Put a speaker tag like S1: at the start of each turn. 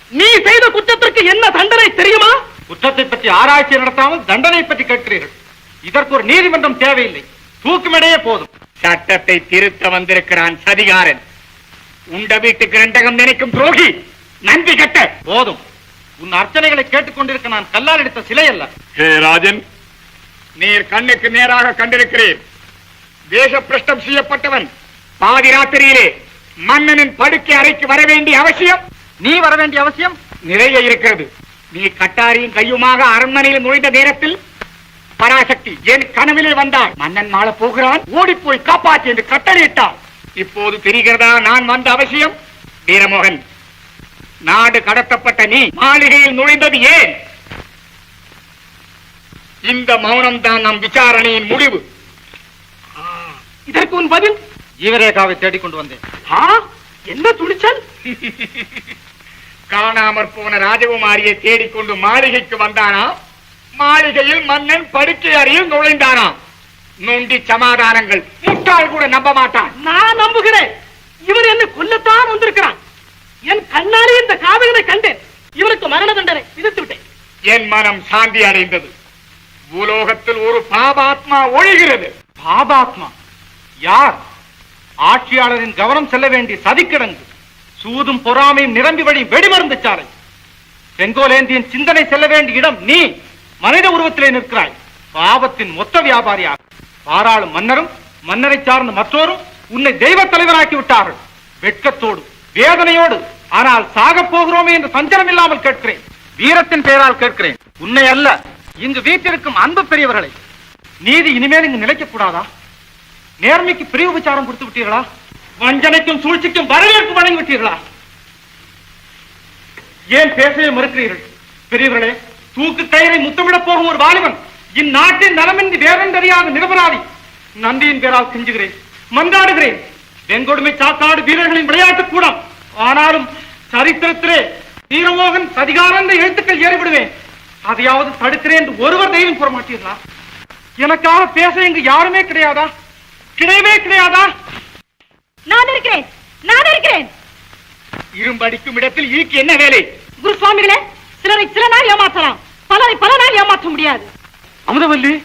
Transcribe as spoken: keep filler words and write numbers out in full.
S1: நீ செய்த குற்றத்திற்கு என்ன தண்டனை தெரியுமா? குற்றத்தை பற்றி ஆராய்ச்சி நடத்தாமல் தண்டனை பற்றி கேட்கிறீர்கள். இதற்கு ஒரு நீதிமன்றம் தேவையில்லை, தூக்குமடையே போதும்.
S2: சட்டத்தை திருத்த வந்திருக்கிறான் சதிகாரன். உண்ட வீட்டுக்கு ரெண்டகம் நினைக்கும் துரோகி, நன்றி கட்ட.
S1: போதும், உன் அர்ச்சனைகளை கேட்டுக்கொண்டிருக்க நான் கல்லால் எடுத்த சிலை அல்ல.
S2: ஹே ராஜன், நீர் கண்ணுக்கு நேராக கண்டிருக்கிறேன். தேச பிரஷ்டம் செய்யப்பட்டவன் பாதி ராத்திரியிலே மன்னனின் படுக்கை அறைக்கு வர வேண்டிய அவசியம்,
S1: நீ வர வேண்டிய அவசியம்
S2: நிறைய இருக்கிறது. நீ கட்டாரியும் கையுமாக அரண்மனையில் நுழைந்த நேரத்தில் பராசக்தி என் கனவிலே வந்தாள். மன்னன் மாள போகிறான், ஓடிப்போய் காப்பாற்றி என்று கட்டளையிட்டாள். இப்போது தெரிகிறதா நான் வந்த அவசியம்? வீரமோகன், நாடு கடத்தப்பட்ட நீ மாளிகையில் நுழைந்தது ஏன்? இந்த மௌனம் தான் நம் விசாரணையின் முடிவு.
S1: இதற்கு உன் பதில்? ஜீவரேகாவை தேடிக்கொண்டு வந்தேன். என்ன துணிச்சல்!
S2: காணாமற் போன ராஜகுமாரியை தேடிக்கொண்டு மாளிகைக்கு வந்தானா? மாளிகையில் மன்னன் படுக்கை அறையில் நுழைந்தானா? நொண்டி சமாதானங்கள் முட்டாள் கூட நம்ப மாட்டான்.
S1: நான் நம்புகிறேன். இவர் என்னை கொல்லத்தான் வந்திருக்கிறான். என் கண்ணாலே இந்த காதகனை கண்டேன். இவருக்கு மரண தண்டனை விதித்து விட்டேன்.
S2: என் மனம் சாந்தி அடைந்தது. பூலோகத்தில் ஒரு பாபாத்மா ஒழிகிறது.
S1: பாபாத்மா யார்? ஆட்சியாளரின் கவனம் செல்ல வேண்டிய சதிக்கிடங்கு, சூதும் பொறாமையும் நிரம்பி வழி வெடிமருந்து சாலை. செங்கோலேந்தியின் சிந்தனை செல்ல வேண்டிய இடம் நீ மனித உருவத்திலே நிற்கிறாய். பாவத்தின் மொத்த வியாபாரியாக பாராளும் மன்னரும் மன்னரை சார்ந்த மற்றோரும் உன்னை தெய்வ தலைவராக்கி விட்டார்கள். வெட்கத்தோடு வேதனையோடு, ஆனால் சாக போகிறோமே என்று சஞ்சலம் இல்லாமல் கேட்கிறேன். வீரத்தின் பெயரால் கேட்கிறேன், உன்னை அல்ல, இங்கு வீட்டிற்கும் அன்பு பெரியவர்களை. நீதி இனிமேல் இங்கு நிலைக்க கூடாதா? நேர்மைக்கு பிரிவு விசாரம் கொடுத்து விட்டீர்களா? வஞ்சனைக்கும் சூழ்ச்சிக்கும் வரவேற்பு வழங்கி விட்டீர்களா? ஏன் பேசவே மறுக்கிறீர்கள்? பெரியவர்களே, தூக்கு கயிறை முத்தமிடப் போகும் ஒரு வாலிபன் இந்நாட்டின் நலமின்றி வேறென்றறியாத நிரபராதி. நன்றியின் பேரால் செஞ்சுகிறேன், மன்றாடுகிறேன். வெங்கொடுமை சாத்தாடு வீரர்களின் விளையாட்டு கூடம். ஆனாலும் சரித்திரத்திலே வீரமோகன் சதிகாரன் எழுத்துக்கள் ஏறிவிடுவேன். அதையாவது தடுக்கிறேன் என்று ஒருவர் தெய்வம் கூற மாட்டீர்களா? எனக்காக பேச இங்கு யாருமே கிடையாதா? கிடையவே கிடையாதா?
S3: நான் இருக்கிறேன், நான் இருக்கிறேன்.
S2: இரும்படிக்கும் இடத்தில் ஈக்கு என்ன வேலை?
S3: குருசுவாமிகளே, சிலரை சில நாள் ஏமாற்றலாம், பலரை பல நாள் ஏமாற்ற முடியாது.
S1: அமுதவல்லி,